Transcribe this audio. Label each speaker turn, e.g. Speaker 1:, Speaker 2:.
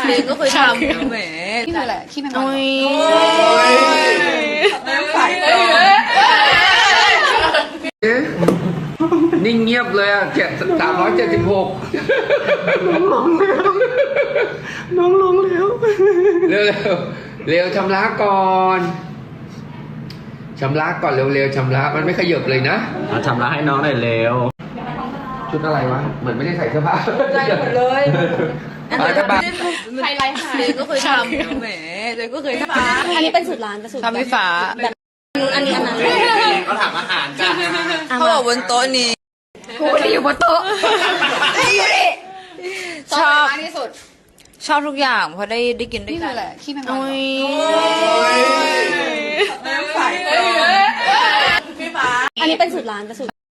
Speaker 1: เองก็เคยทำแหม
Speaker 2: ที่นั่นแหละที่แม่ง
Speaker 3: นิ่งเงียบเลยอ่ะ376
Speaker 2: น้องลงแล้ว
Speaker 3: เร็วเร็วชำระก่อนชำระก่อนเร็วๆชำระมันไม่ขยับเลยนะ
Speaker 4: มาทำร้ายให้น้องหน่อยเร็ว
Speaker 3: ชุดอะไรวะเหมือนไม่ได้ใส่เสื้อผ้าใจหมดเลย
Speaker 1: ใครไรหายเองก็เคยทำแหมเองก็เคยทำ
Speaker 2: อันนี้เป็นสูตรร้านเป็นสูตร
Speaker 1: ทำไฟฟ้า
Speaker 2: แบบอันนี้อันนั้น
Speaker 4: ก็ถามอาหารกัน
Speaker 1: เขาบอกบนโต๊ะนี้
Speaker 2: กูจะอยู่บนโต๊ะ
Speaker 1: ชอบ
Speaker 2: มากที่สุด
Speaker 1: ชอบทุกอย่างเพราะได้กินด้วย
Speaker 2: ที่
Speaker 1: กั
Speaker 2: นั่
Speaker 1: น
Speaker 2: นแหละที่แม่ง
Speaker 1: ใส่
Speaker 2: อันนี้เป็นสูตรร้านเป็นสูตร